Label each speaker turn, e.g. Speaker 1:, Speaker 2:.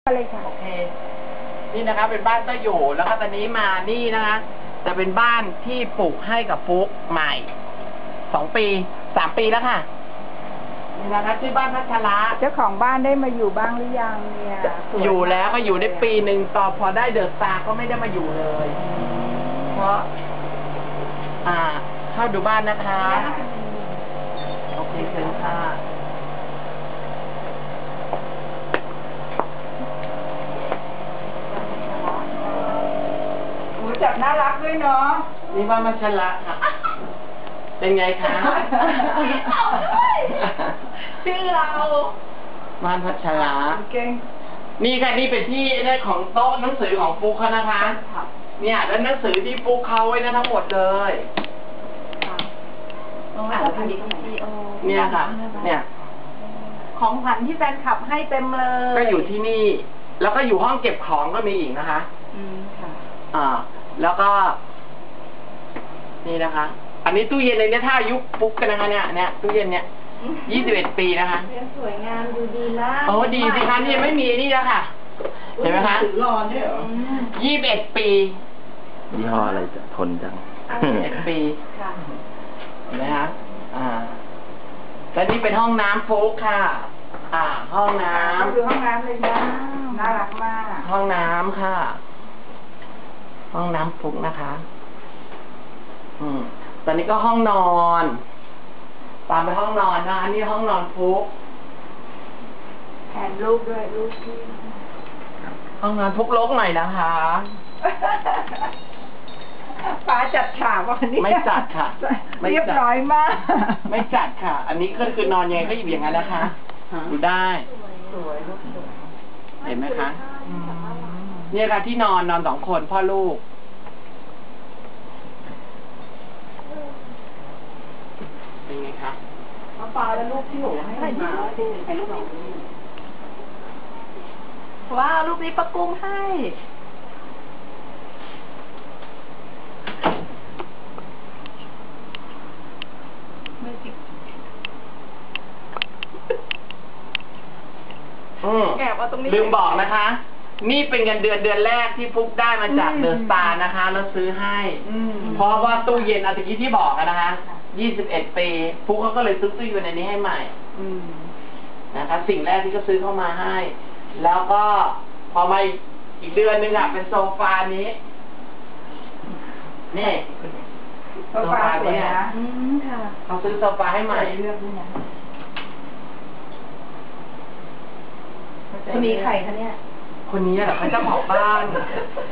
Speaker 1: อะไรค่ะ
Speaker 2: โอเคนี่นะคะเป็นบ้านก็อยู่แล้วก็ตอนนี้มานี่นะคะจะเป็นบ้านที่ปลูกให้กับปุ๊กใหม่2 ปี3 ปีแล้วค่ะนี่นะคะชื่อบ้านพัชระ
Speaker 1: เจ้าของบ้านได้มาอยู่บ้างหรือยังเนี่ย
Speaker 2: อยู่แล้วก็อยู่ได้ปีหนึ่งต่อพอได้เดอะสตาร์ก็ไม่ได้มาอยู่เลย เพราะเข้าดูบ้านนะคะโอเคเชิญค่ะ
Speaker 1: จับน่ารักด้วยเนาะ
Speaker 2: นี่บ้านพัชระค่ะเป็นไงคะ
Speaker 1: ชื่อเรา
Speaker 2: บ้านพัชระ
Speaker 1: เก่ง
Speaker 2: นี่ค่ะนี่เป็นที่ได้ของโต๊ะหนังสือของฟุกเขานะคะเนี่ยแล้วหนังสือที่ฟุกเขาไว้นะทั้งหมดเลยเนี่ยค่ะเนี่ย
Speaker 1: ของขวัญที่แฟนคลับให้เต็มเลย
Speaker 2: ก็อยู่ที่นี่ แล้วก็อยู่ห้องเก็บของก็มีอีกนะคะ
Speaker 1: ค่ะ
Speaker 2: แล้วก็ นี่นะคะ อันนี้ตู้เย็นในนี้ถ้าอายุปุ๊กกันนะคะเนี่ยตู้เย็นเนี่ย21 ปีนะคะ
Speaker 1: สวยงามดูดีนะ
Speaker 2: โอ้ดีสิคะนี่ยังไม่มีนี่แล้วค่ะเห็นไหมคะ
Speaker 1: รอเนี่ยเหรอ
Speaker 2: 21 ปี
Speaker 3: ยี่ห้ออะไรจะทนจัง
Speaker 2: 21 ปีเห็นไหมคะแล้วนี่เป็นห้องน้ำฟุกค่ะห้องน้ำ
Speaker 1: ดูห้องน้ำเลยนะน่ารักมาก
Speaker 2: ห้องน้ำค่ะห้องน้ำฟุกนะคะตอนนี้ก็ห้องนอนตามไปห้องนอนนะคะนี่ห้องนอนฟุก
Speaker 1: แทนลูกด้วยลูกที่
Speaker 2: ห้องนอนฟุกรกหน่อยนะคะ
Speaker 1: ป้าจัดฉากวันนี้
Speaker 2: ไม่จัดค่ะ
Speaker 1: เรียบร้อยมาก
Speaker 2: ไม่จัดค่ะ อันนี้ก็คือนอนยังไงก็อยู่อย่างนั้นนะคะดูได้
Speaker 1: สวยลูกสวย
Speaker 2: เห็นไหมคะเนี่ยค่ะที่นอน2 คนพ่อลูกเป็นไงคะ
Speaker 1: ปลาและลูกที่หนูให้มาให้ลูกว้าวลูกนี้ปะกุ้งให้
Speaker 2: ลืมบอกนะคะ นี่เป็นเงินเดือนแรกที่ฟุกได้มาจากเดอะสตาร์นะคะแล้วซื้อให้เพราะว่าตู้เย็นตะกี้ที่บอกนะคะ21 ปีฟุกเขาก็เลยซื้อตู้เย็นอันนี้ให้ใหม่นะคะสิ่งแรกที่เขาซื้อเข้ามาให้แล้วก็พอมาอีกเดือนนึงเป็นโซฟานี้นี่
Speaker 1: โซฟาเนี่ย
Speaker 2: เขาซื้อโซฟาให้ใหม่
Speaker 1: เลือกด้วยนะคนนี้ใครคะเนี่ย
Speaker 2: คนนี้เหรอเขาเจ้าของบ้าน